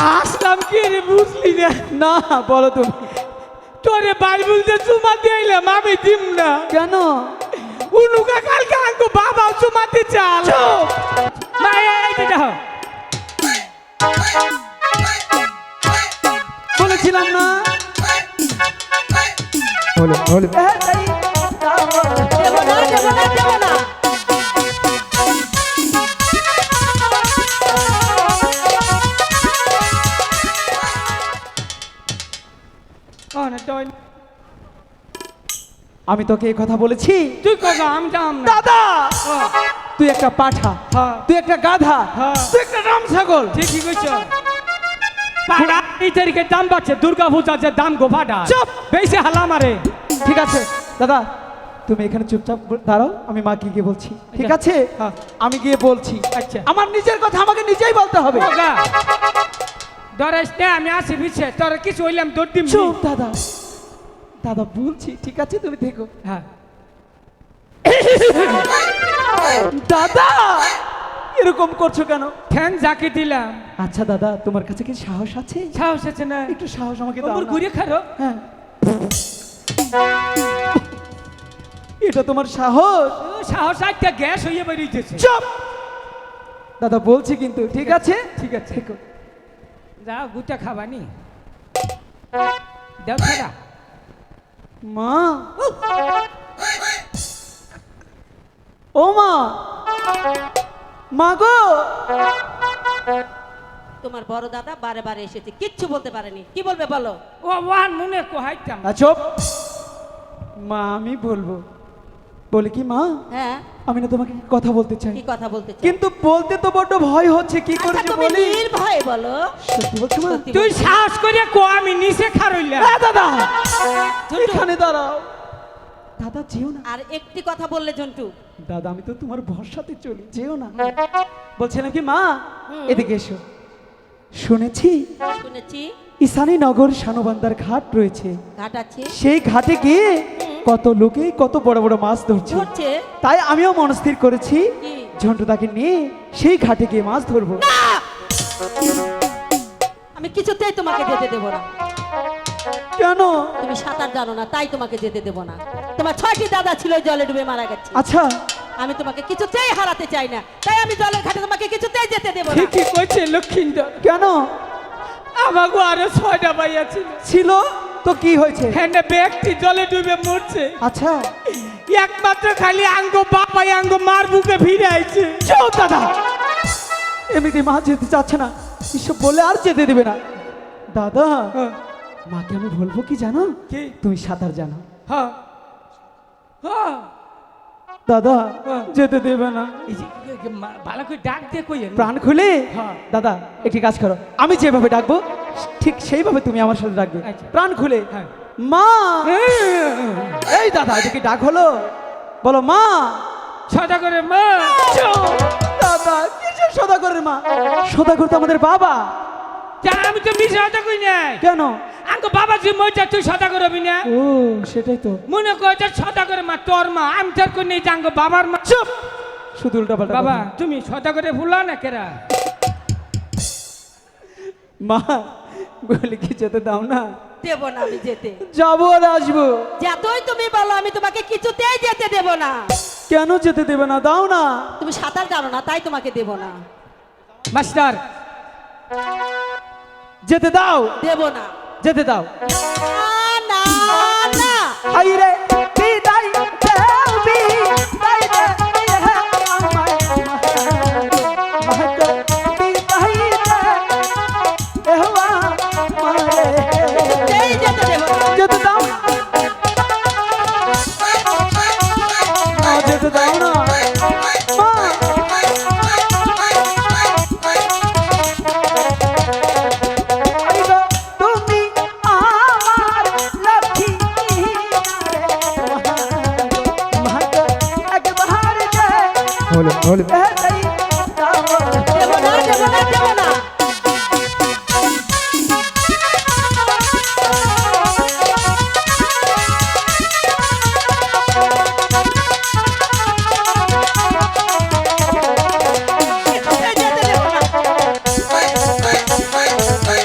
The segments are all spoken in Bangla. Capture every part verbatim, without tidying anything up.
আসলাম কি রে বুঝলি না? না বলো তুমি। তোরে বাইবেল যে চুমা দিলাম আমি দিম না। কেন? উনুকা কালকে আঙ্কু বাবা চুমাতে চাল। মায়া এইটা দাও। বলেছিলাম না। বলে বলে দেব না দেব না দেব না। ও না তুই আমি তোকে এই কথা বলেছি? তুই কথা আমি জাম না। দাদা ও, তুই একটা পাঠা, হ্যাঁ। তুই একটা গাধা, হ্যাঁ। তুই একটা রাম ছাগল। ঠিকই কইছ। পাড়া এই তারিখে দাম বাড়ছে, দুর্গা পূজার যে দাম গো পাড়া। চুপ! বেশি হালা মারে। ঠিক আছে দাদা, তুমি এখানে চুপচাপ দাঁড়াও, আমি মাকে গিয়ে বলছি। ঠিক আছে? হ্যাঁ। আমি গিয়ে বলছি। আচ্ছা। আমার নিজের কথা আমাকে নিজেই বলতে হবে। ওগা ডরাইস না, আমি আসি বিছে তোর কিছু হইলাম দৌড় দিম। চুপ দাদা, দাদা বলছি। ঠিক আছে তুমি দেখো। হ্যাঁ দাদা এরকম করছো কেন? ফ্যান জাকি দিলাম। আচ্ছা দাদা, তোমার কাছে কি সাহস আছে? সাহস আছে না? একটু সাহস আমাকে দাও ওমর না। ঘুরে খারো। হ্যাঁ, এটা তোমার সাহস? ও, সাহস একটা গ্যাস হইয়ে বেরিয়েছে। চুপ দাদা বলছি কিন্তু। ঠিক আছে ঠিক আছে। দেখো। যাও গুটা খাবানি দেও ছাড়া। মা, ও মা, মা গো। তোমার বড় দাদা বারে বারে এসেছে, কিচ্ছু বলতে পারেনি। কি বলবে বলো? ও ওয়ান মনে কোহাইতাম। আ, চুপ। মা আমি বলবো। বলে কি মা, হ্যাঁ, আমি না তোমাকে কথা বলতে চাই, কি কথা বলতে চাও? কিন্তু বলতে তো বড্ড ভয় হচ্ছে। কি করে আচ্ছা, যে তুমি বলি? নির্ভয়ে বলো। সত্যি বলছো মা? সত্যি তুই বলছি। সাহস করে কো আমি নিচে খারইলাম। এ দাদা, ঝন্টু। এখানে দাঁড়াও। দাদা যেও না। আর একটি কথা বললে ঝন্টু। দাদা আমি তো তোমার ভরসাতে চলি, যেও না। বলছিলাম কি মা, হুম। এদিকে এসো। শুনেছি শুনেছি ঈশানী নগর শানবান্দার ঘাট রয়েছে, ঘাট আছে, সেই ঘাটে গিয়ে কত লোকে কত বড় বড় মাছ ধরছে। ধরছে। তাই আমিও মনস্থির করেছি কি? ঝন্টুদাকে নিয়ে সেই ঘাটে গিয়ে মাছ ধরবো। আমি কিছুতেই তোমাকে যেতে দেব না। কেন? তুমি সাঁতার জানো না, তাই তোমাকে যেতে দেব না। তোমার ছয়টি দাদা ছিল, ওই জলে ডুবে মারা গেছে। আচ্ছা আমি তোমাকে কিছুতেই হারাতে চাই না, তাই আমি জলের ঘাটে তোমাকে কিছুতেই যেতে দেব না। ঠিকই কইছে লক্ষিন্দর। কেন? আমাগো আরো ছয়টা ভাইয়া ছিল। ছিল তো কি হয়েছে? হ্যাঁ ব্যক্তি জলে ডুবে মরছে। আচ্ছা একমাত্র খালি আঙ্গো বাপাই আঙ্গো মার বুকে ফিরে আইছে। চল দাদা, এমনিতে মা যেতে চাচ্ছে না, এসব বলে আর যেতে দেবে না। দাদা হ্যাঁ, মাকে আমি বলবো কি জানো? কি? তুমি সাঁতার জানো। হ্যাঁ হ্যাঁ দাদা হ্যাঁ। যেতে দেবে না। এই যে, এই যে, মা- ভালো করে ডাক দিয়ে কই প্রাণ খুলে হ্যাঁ। দাদা একটি কাজ করো, আমি যেভাবে ডাকবো ঠিক সেইভাবে তুমি আমার সাথে ডাকবে। আচ্ছা। প্রাণ খুলে হ্যাঁ। মা। এই দাদা এদিকে ডাক হলো, বলো মা। ছটা করে মা। দাদা কিসের সদাগরের মা? সদাগর তো আমাদের বাবা। যা, আমি তো মিশে কথা কই নাই। কেন? আঙ্গো বাবা যে মইটা তুই ছটা করবি না। ও সেটাই তো। মনে কর যে ছটা করে মা তোর মা, আমি তোর কই নেই আঙ্গো বাবার মা। চুপ, শুধু উল্টা পাল্টা বাবা কথা। তুমি ছটা করে ভুলা না কেরা। মা বলে কি যেতে দাও না? দেব না আমি যেতে। যাবো আর আসবো। যতই তুমি বলো, আমি তোমাকে কিছুতেই যেতে দেব না। কেন যেতে দেবে না? দাও না। তুমি সাঁতার জানো না, তাই তোমাকে দেব না। মাস্টার যেতে দাও, দেব না। যেতে দাও। না, না, না। হাই রে বিদায় দেও বিদায় দে আমায় মাহতো বিদায় দে এহওয়া মারে। এই যেতে দেব না। যেতে দাও না, যেতে দাও না মা। এই গো তুমি আমার লক্ষ্মী মাহতো একবার দে বলে বলে এই দাও। দেব না, দেব না, দেব না। এই যেতে দেব না।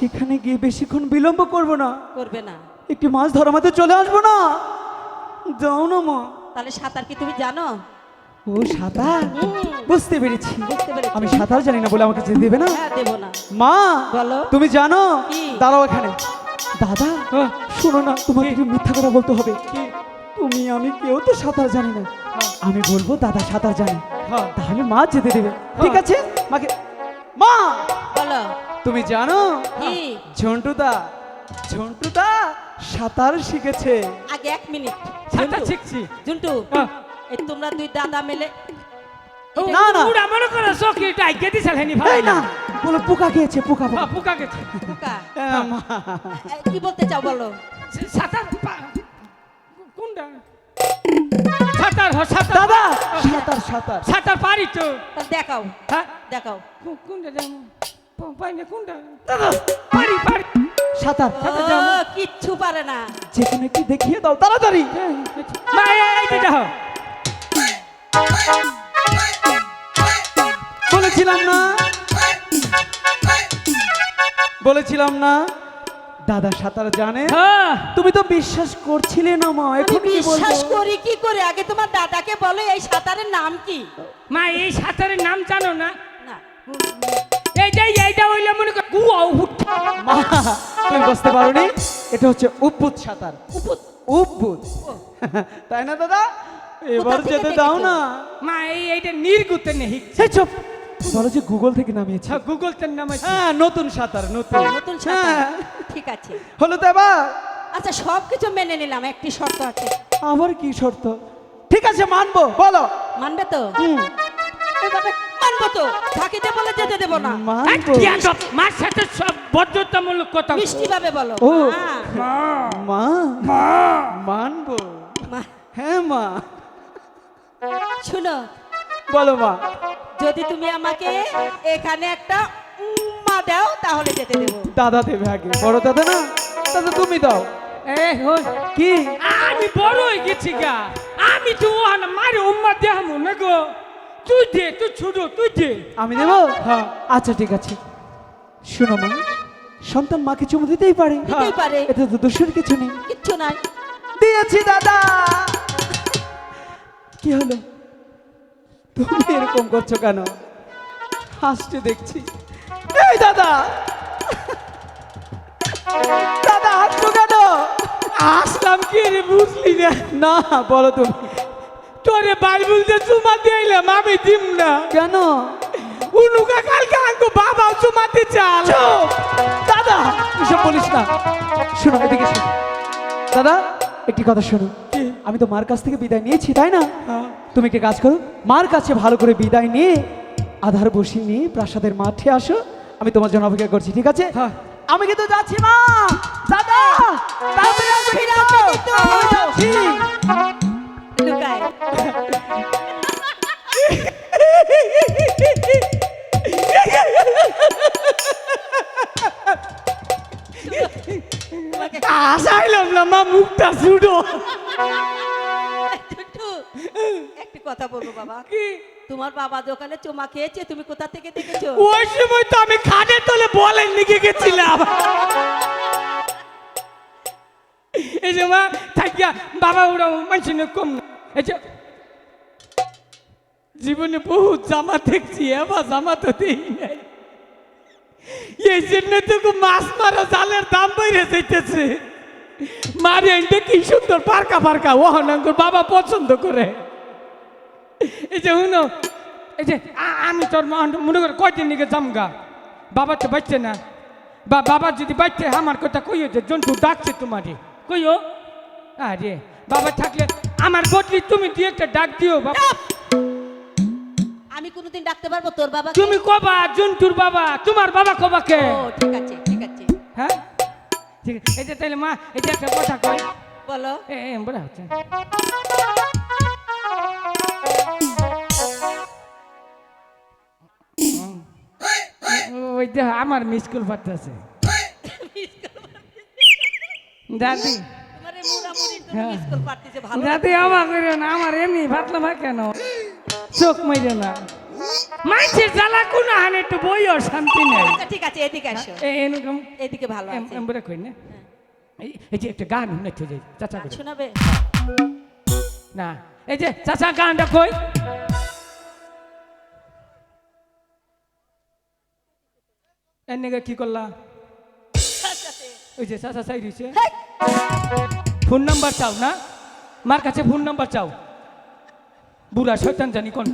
সেখানে গিয়ে বেশিক্ষণ বিলম্ব করব না, করবে না। একটি মাছ ধরা মাঝে চলে আসবো না। যাও না মা। তাহলে সাঁতার কি তুমি জানো? ও সাঁতার, হুম, বুঝতে পেরেছি। বুঝতে পেরেছি। আমি সাঁতার জানি না বলে আমাকে যেতে দেবে না? হ্যাঁ, দেবো না। মা বলো। তুমি জানো? কি? দাঁড়াও এখানে। দাদা হ্যাঁ। শোনো না, তোমাকে একটু মিথ্যা কথা বলতে হবে। তুমি আমি কেউ তো সাঁতার জানি না। আমি বলবো দাদা সাঁতার জানে, হ্যাঁ। তাহলে মা যেতে দেবে। ঠিক আছে মাকে। মা বলো। তুমি জানো কি? ঝন্টুদা ঝন্টুদা সাঁতার শিখেছে। আগে এক মিনিট। সাঁতার জুন্টু, শিখছি। জুন্টু, হ্যাঁ। এই তোমরা দুই দাদা মিলে না না পুরা মনে করো চোখে এটা আইকে দিছাল হেনি ভাই এই না বলো পোকা খেয়েছে, পোকা পোকা। হ্যাঁ, পোকা গেছে। পোকা। হ্যাঁ, মা। এ, কি বলতে চাও বলো? সাঁতার পা- কোনটা? সাঁতার হ সাঁতার দাদা সাঁতার সাঁতার সাঁতার পারি তো। তাহলে দেখাও, হ্যাঁ, দেখাও। কো- কোনটা যাবো? প- পাই না কোনটা? পারি পারি। সাঁতার ও, কিচ্ছু পারে না। যেখানে কি দেখিয়ে দাও তাড়াতাড়ি। মা এই- এই দিটা হও। বলেছিলাম না বলেছিলাম না দাদা সাঁতার জানে। হ্যাঁ, তুমি তো বিশ্বাস করছিলে না মা, আমি এখন কি বিশ্বাস বলবো? করি কি করে? আগে তোমার দাদাকে বলো এই সাঁতারের নাম কি? মা এই সাঁতারের নাম জানো না? না। এইটাই এইটা হইলে মনে কর গুয়া উঠ। মা তুমি বুঝতে পারোনি, এটা হচ্ছে উপুত সাঁতার। উপুত। উপুত তাই না দাদা? এবার থেকে যেতে দেখেছো? দাও না। মা এই এইটা নির্গুতে নেই। সেই চুপ, বলো যে গুগল থেকে নামিয়েছে। আচ্ছা গুগল তের নাম আছে। হ্যাঁ নতুন সাঁতার, নতুন নতুন সাঁতার। হ্যাঁ। ঠিক আছে। হলো তো এবার? আচ্ছা, সব কিছু মেনে নিলাম, একটি শর্ত আছে। আবার কি শর্ত? ঠিক আছে মানবো, বলো। মানবে তো? হুম, এই বাবা, মানবো তো, থাকিতে বলে যেতে দেবো না। মানবো। মার সাথে সব বদ্ধতামূলক কথা। মিষ্টি ভাবে বলো। ও। মা, মা মানবো। মা, হ্যাঁ মা, শুনো, বলো মা। যদি তুমি আমাকে এখানে একটা মা দাও তাহলে যেতে দেবো। দাদা দেবে আগে, বড় দাদা না, দাদা তুমি দাও। এ হই কি আমি বড় হয়ে গেছি গা। আমি তো ওহানা মারে উম্মা দেহামু না গো। তুই দে, তুই ছোট, তুই দে। আমি দেবো? হ্যাঁ। আচ্ছা ঠিক আছে। শোনো মা, সন্তান মাকে চুমু দিতেই পারে, দিতেই পারে। এতে তো দোষের কিছু নেই। কিচ্ছু নাই। দিয়েছি দাদা। কি হলো, তুমি এরকম করছো কেন? হাসতে দেখছি। এই দাদা, দাদা হাসছো কেন? আসলাম কি রে বুঝলি না? না বলো তুমি। তোরে বাইবেল যে চুমা দিলাম আমি দিম না। কেন? উনুকা কালকে আঙ্কু বাবা চুমা দি চাল। চুপ! দাদা এসব বলিস না। শোনো এদিকে শোনো দাদা, একটি কথা শোনো। আমি তো মার কাছ থেকে বিদায় নিয়েছি তাই না? তুমি একটি কাজ করো, মার কাছে ভালো করে বিদায় নিয়ে আধার বসিয়ে নিয়ে প্রাসাদের মাঠে আসো, আমি তোমার জন্য অপেক্ষা করছি, ঠিক আছে? হ্যাঁ। আমি কিন্তু যাচ্ছি মা। দাদা তাড়াতাড়ি আসবে কিন্তু। আমি যাচ্ছি। লুকায়। আসাইলাম না মা, মুখটা ছুটো। টুটু, একটি কথা বলবো বাবা। কি? তোমার বাবা দোকানে চুমা খেয়েছে, তুমি কোথা থেকে দেখেছো? ওই সময় তো আমি খাটের তলে বলেন লিখে গেছিলাম। এই যে মা থাকিয়া বাবা ওরা মানুষের কম না। এই যে জীবনে বহু জামা দেখছি, এবার জামা তো দেই নাই। এই জন্য তো মাছ মারা জালের দাম বেড়ে যাইতেছে। মারি আনতে কি সুন্দর পার্কা পার্কা ওহনাঙ্কর বাবা পছন্দ করে। এই যে শুনো, এই যে আ- আমি তোর মা- মনে করে কয়দিন নিকে জামগা, বাবা তো বাচ্চে না। বা বাবা যদি বাচ্চে আমার কথা কইও যে জন্টু ডাকছে তোমারে, কইও। আরে বাবা থাকলে আমার বদলি তুমি দিয়ে একটা ডাক দিও বাবা। আমি কোনোদিন ডাকতে পারবো তোর বাবা? তুমি কবা জন্টুর বাবা, তোমার বাবা কবা কে? ও ঠিক আছে, ঠিক আছে, হ্যাঁ ঠিক আছে। এই যে তাহলে মা এই যে একটা কথা কই। বলো। এ এ, বড় হচ্ছে। ওই দেখ আমার মিস কল পাঠাচ্ছে দাদি। তোমার এই মুড়ামুড়ির জন্য হ্যাঁ। মিস কল পাঠিয়েছে, ভালো দাদি আমার করে না, আমার এমনি ভাতলা ভাই কেন চোখ মাইরে না। মাইছে জ্বালা কোন হানে একটু বইও শান্তি নেই আচ্ছা ঠিক আছে এদিকে আসো এ- এরকম এদিকে ভালো আছে এমবরে কই না এই- এই যে একটা গান শুনেছে যে চাচা গান করে শোনাবে না এই যে চাচা গানটা কই এর নেগে কি করলা ওই যে চাচা চাই দিছে ফোন নাম্বার চাও না মার কাছে ফোন নাম্বার চাও বুড়া শয়তান জানি কোন